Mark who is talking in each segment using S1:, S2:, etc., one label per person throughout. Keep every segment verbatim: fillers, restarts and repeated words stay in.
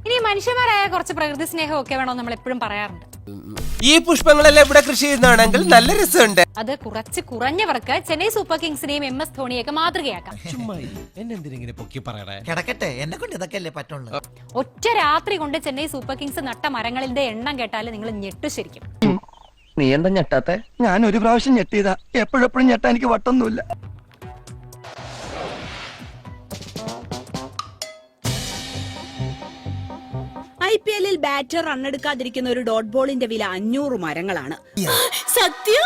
S1: ഇനി മനുഷ്യന്മാരായ കുറച്ച് പ്രകൃതി സ്നേഹം ഒക്കെ വേണോ നമ്മൾ എപ്പോഴും പറയാറുണ്ട്.
S2: ഈ പുഷ്പങ്ങളെല്ലാം ഇവിടെ കൃഷി ചെയ്യുന്നതാണെങ്കിൽ നല്ല രസമുണ്ട്.
S1: അത് കുറച്ച് കുറഞ്ഞവർക്ക് ചെന്നൈ സൂപ്പർ കിങ്സിനെയും എം എസ് ധോണിയൊക്കെ മാതൃകയാക്കാം. ഒറ്റ രാത്രി കൊണ്ട് ചെന്നൈ സൂപ്പർ കിങ്സ് നട്ട മരങ്ങളുടെ എണ്ണം കേട്ടാൽ നിങ്ങൾ ഞെട്ടു ശരിക്കും.
S3: നീ എന്താ ഞെട്ടാത്തെ? ഞാൻ ഒരു പ്രാവശ്യം ഞെട്ടിയതാ, എപ്പോഴെപ്പോഴും ഞെട്ടാ എനിക്ക് വട്ടൊന്നുമില്ല.
S4: ഐ പി എല്ലിൽ ബാറ്റർ റണ്ണെടുക്കാതിരിക്കുന്ന ഒരു ഡോട്ട് ബോളിന്റെ വില അഞ്ഞൂറ് മരങ്ങളാണ്. സത്യം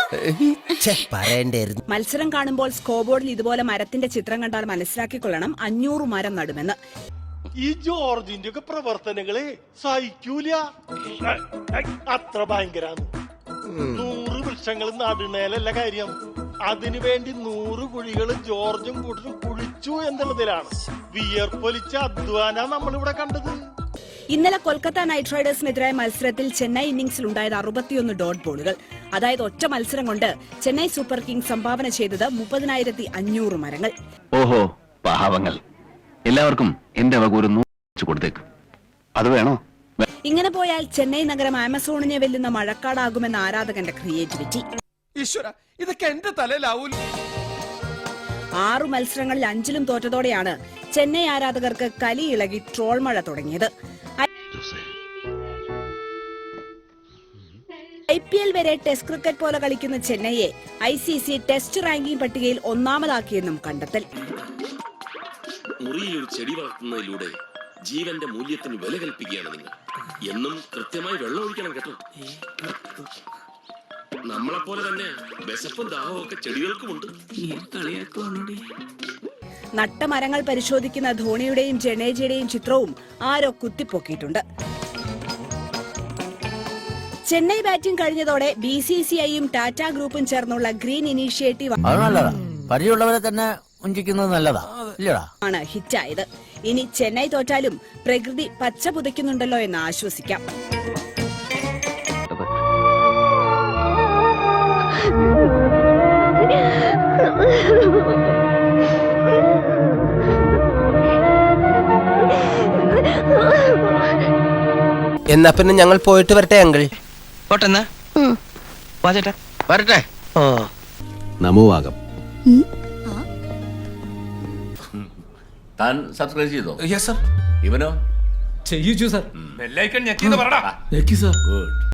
S4: മത്സരം കാണുമ്പോൾ സ്കോർ ബോർഡിൽ ഇതുപോലെ മരത്തിന്റെ ചിത്രം കണ്ടാൽ മനസ്സിലാക്കിക്കൊള്ളണം അഞ്ഞൂറ് മരം നടുമെന്ന്.
S5: ഈ ജോർജിന്റെ ഒക്കെ പ്രവർത്തനങ്ങളെ സഹിക്കൂല, അത്ര ഭയങ്കരാണ്. നൂറ് വൃക്ഷങ്ങൾ നടുന്നേലല്ല കാര്യം, അതിനു വേണ്ടി നൂറ് കുഴികൾ ജോർജും കൂട്ടരും കുഴിച്ചു എന്നുള്ളതിലാണ്. വിയർപ്പൊലിച്ച അധ്വാന നമ്മളിവിടെ കണ്ടത്.
S4: ഇന്നലെ കൊൽക്കത്ത നൈറ്റ് റൈഡേഴ്സിനെതിരായ മത്സരത്തിൽ ചെന്നൈ ഇന്നിംഗ്സിൽ ഉണ്ടായത് അറുപത്തിയൊന്ന് ഡോട്ട് ബോളുകൾ. അതായത് ഒറ്റ മത്സരം കൊണ്ട് ചെന്നൈ സൂപ്പർ കിങ്സ് സംഭാവന ചെയ്തത് മുപ്പതിനായിരത്തി അഞ്ഞൂറ് മരങ്ങൾ.
S6: ഓഹോ, പാവങ്ങൾ. എല്ലാവർക്കും എന്റെ വക ഒരു നൂറ് കൊടുത്തേക്ക്. അത് വേണോ?
S4: ഇങ്ങനെ പോയാൽ ചെന്നൈ നഗരം ആമസോണിനെ വെല്ലുന്ന മഴക്കാടാകുമെന്ന ആരാധകന്റെ ക്രിയേറ്റിവിറ്റി.
S2: ഇതൊക്കെ എന്റെ തലയിലാവൂല.
S4: ആറു മത്സരങ്ങളിൽ അഞ്ചിലും തോറ്റതോടെയാണ് ചെന്നൈ ആരാധകർക്ക് കലിയിളകി ട്രോൾ മഴ തുടങ്ങിയത്. ഐ പി എൽ വരെ ടെസ്റ്റ് ക്രിക്കറ്റ് പോലെ കളിക്കുന്ന ചെന്നൈയെ I C C test ranking പട്ടികയിൽ ഒന്നാമതാക്കിയെന്നും കണ്ടെത്തൽ.
S7: മുറിയിൽ ഒരു ചെടി വളർത്തുന്നതിലൂടെ ജീവന്റെ മൂല്യത്തിന് വില കൽപ്പിക്കുകയാണ് നിങ്ങൾ. എന്നും കൃത്യമായി വെള്ളം ഒഴിക്കണം കേട്ടോ. നമ്മളെപ്പോലെ തന്നെ വിശപ്പും ദാഹവും ഒക്കെ ചെടികൾക്കുമുണ്ട്.
S4: നട്ട മരങ്ങൾ പരിശോധിക്കുന്ന ധോണിയുടെയും ജഡേജയുടെയും ചിത്രവും ആരോ കുത്തിപ്പൊക്കിയിട്ടുണ്ട്. ചെന്നൈ ബാറ്റിംഗ് കഴിഞ്ഞതോടെ ബി സി സി ഐയും ടാറ്റ ഗ്രൂപ്പും ചേർന്നുള്ള ഗ്രീൻ ഇനീഷ്യേറ്റീവ് ആണ് ഹിറ്റായത്. ഇനി ചെന്നൈ തോറ്റാലും പ്രകൃതി പച്ച പുതയ്ക്കുന്നുണ്ടല്ലോ എന്ന് ആശ്വസിക്കാം.
S2: എന്നാ പിന്നെ ഞങ്ങൾ പോയിട്ട് വരട്ടെ അങ്കിൾ.
S3: പോട്ടെന്നാ
S6: വരട്ടെ.
S8: നമോവാകം.
S7: താൻ സബ്സ്ക്രൈബ് ചെയ്തോ?
S8: Yes sir.
S7: ഇവനോ?
S8: ചെയ്യിച്ചു സർ.
S7: ബെല്ലൈക്കൺ ഞെക്കിന്ന് പറടാ.
S8: ഞെക്കി സർ.
S7: ഗുഡ്.